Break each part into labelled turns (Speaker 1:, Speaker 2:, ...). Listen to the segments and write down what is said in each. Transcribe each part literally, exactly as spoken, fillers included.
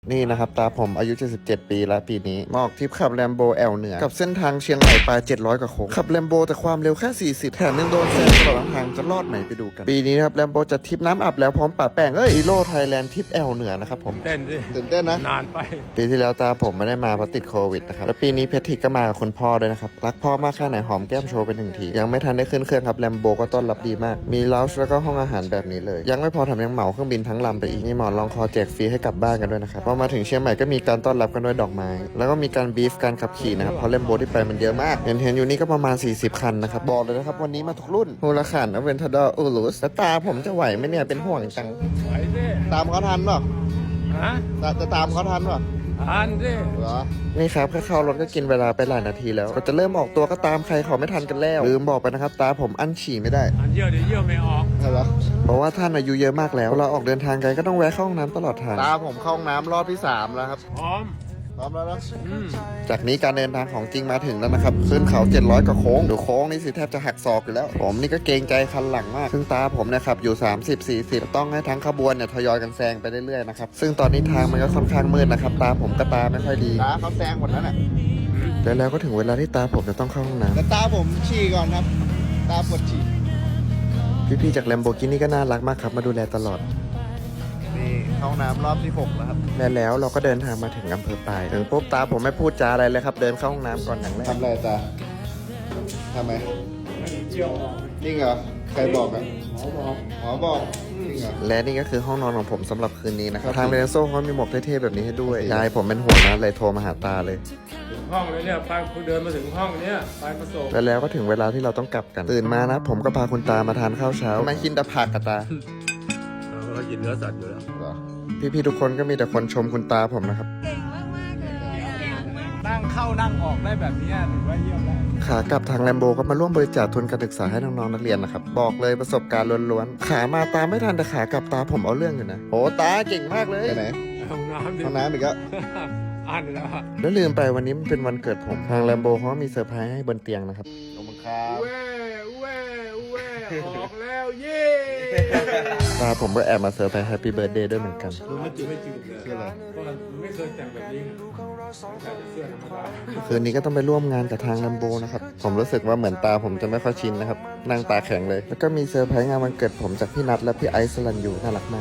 Speaker 1: นี่นะครับตาผมอายุเจ็ดสิบเจ็ดปีแล้วปีนี้มาออกทริปขับแลมโบแอลเหนือกับเส้นทางเชียงใหม่ปลายเจ็ดร้อยกว่าโค้งขับแลมโบแต่ความเร็วแค่สี่สิบแถมยังโดนแซงตลอดทางจะรอดไหมไปดูกันปีนี้ครับแลมโบจะทริปน้ำอับแล้วพร้อมป่าแป้งเอ้ยอีโร่ไทยแลนด์ทริปแอลเหนือนะครับผม
Speaker 2: เต้นดิ
Speaker 1: ตื่นเต้นนะ
Speaker 2: นานไป
Speaker 1: ปีที่แล้วตาผมไม่ได้มาเพราะติดโควิดนะครับแล้วปีนี้เพชรทิกก็มากับคุณพ่อด้วยนะครับรักพ่อมากแค่ไหนหอมแก้มโชว์เป็นหนึ่งทียังไม่ทันได้ขึ้นเครื่องครับแลมโบก็ต้อนรับดีมากมีลาวช์แล้วก็ห้องอาหารแบบนี้เลยยังไม่พอแถมยังเหมาเครื่องบินทั้งลำไปอีกมีหมอนรองคอแจกฟรีให้กลับบ้านกันด้วยนะครับพอมาถึงเชียงใหม่ก็มีการต้อนรับกันด้วยดอกไม้แล้วก็มีการบีฟการขับขี่นะครับเพราะแลมโบที่ไปมันเยอะมากเห็นเห็นอยู่นี่ก็ประมาณสี่สิบคันนะครับบอกเลยนะครับวันนี้มาทุกรุ่นฮูลาคานอเวนทาดอร์อูรุสแล้วตาผมจะไหวไหมเนี่ยเป็นห่วงจัง
Speaker 2: ไหวดิ
Speaker 1: ตามเขาทันหรอ
Speaker 2: ฮะ
Speaker 1: จะตามเขาทันหรอ
Speaker 2: ทันดิ
Speaker 1: เหรอนี่ครับแค่เข้ารถก็กินเวลาไปหลายนาทีแล้วก็จะเริ่มออกตัวก็ตามใครขอไม่ทันกันแล้วลืมบอกไปนะครับตาผมอั้นฉี่ไม่ได้
Speaker 2: อันเยี่ยวเดี๋ยวเยี่ยวไม่ออก
Speaker 1: ใช่ปะเพราะว่าท่านอายุเยอะมากแล้วเราออกเดินทางไกลก็ต้องแวะเข้าห้องน้ำตลอดทางตาผมเข้าห้องน้ำรอบที่สามแล้วครับ
Speaker 2: พร้อม
Speaker 1: พร้อมแล้วนะจากนี้การเดินทางของจริงมาถึงแล้วนะครับขึ้นเขาเจ็ดร้อยกว่าโค้งดูโค้งนี่สิแทบจะหักศอกอยู่แล้วผมนี่ก็เกรงใจคันหลังมากซึ่งตาผมนะครับอยู่สามสิบ สี่สิบต้องให้ทั้งขบวนเนี่ยทยอยกันแซงไปเรื่อยๆนะครับซึ่งตอนนี้ทางมันก็ค่อนข้างมืดนะครับตาผมก็ตาไม่ค่อยดีตาเขาแซงหมดแล้วน่ะแล้วแล้วก็ถึงเวลาที่ตาผมจะต้องเข้าห้องน้ำแต่ตาผมฉี่ก่อนครับตาปวดฉี่พี่ๆจากแลมโบกินี่ก็น่ารักมากครับมาดูแลตลอดนี่ห้องน้ำรอบที่หกแล้วครับและแล้วเราก็เดินทางมาถึงอำเภอปายถึงปุ๊บตาผมไม่พูดจาอะไรเลยครับเดินเข้าห้องน้ำก่อนอย่างแรกทำอะไรตาทำไม
Speaker 2: เจียว
Speaker 1: จริงเหรอใครบอกอ่ะ
Speaker 2: หมอบอก
Speaker 1: หมอบอกจริงเหรอและนี่ก็คือห้องนอนของผมสำหรับคืนนี้นะครับทางเรนโซ่เขามีหมวกเท่ๆแบบนี้ให้ด้วยยายผมเป็นห่วงนะเลยโทรมาหาตาเลย
Speaker 2: ห้องเลยเนี่ยไปคุณเดินมาถึงห้องเนี่ยไปมาส่ง
Speaker 1: แล้วแล้วก็ถึงเวลาที่เราต้องกลับกันตื่นมานะผมก็พาคุณตามาทานข้าวเช้ามากินแต่ผักกับตา
Speaker 2: เรากินเนื้อสัตว์อยู่แล้ว
Speaker 1: พี่ๆทุกคนก็มีแต่คนชมคุณตาผมนะครับ
Speaker 3: เก่งมากๆเลย
Speaker 2: นั่งเข้านั่งออกได้แบบนี้ถือว่าเยี่ยมแล้ว
Speaker 1: ขากลับทางแลมโบก็มาร่วมบริจาคทุนการศึกษาให้น้องๆนักเรียนนะครับบอกเลยประสบการณ์ล้วนๆขามาตาไม่ทันแต่ขากลับตาผมเอาเรื่องอยู่นะโอ้ตาเก่งมากเลยไหน
Speaker 2: ห้องน้ำ
Speaker 1: ห้องน้ำอีกแล้ว
Speaker 2: อ่านแล้ว
Speaker 1: แล้วลืมไปวันนี้มันเป็นวันเกิดผมทางแลมโบเขามีเซอร์ไพรส์ให้บนเตียงนะครับขอบคุณครับ
Speaker 2: เว้เว้เว้ออกแล้วเย่
Speaker 1: ตาผมก็แอบมาเซอร์ไพรส์แฮปปี้เบิร์ดเดย์ด้วยเหมือนกัน
Speaker 2: ไม่จริงไม่จริงเลยคืออะไรเพราะไม่เคยแต่งแบบนี้แต่เสื้อธรรมดา
Speaker 1: คืนนี้ก็ต้องไปร่วมงานกับทางแลมโบนะครับผมรู้สึกว่าเหมือนตาผมจะไม่ค่อยชินนะครับนั่งตาแข็งเลยแล้วก็มีเซอร์ไพรส์งานวันเกิดผมจากพี่นัทและพี่ไอซ์สลันยูน่ารักมาก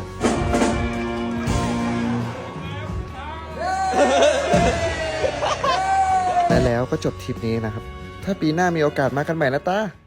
Speaker 1: และแล้วก็จบทริปนี้นะครับถ้าปีหน้ามีโอกาสมากันใหม่นะตา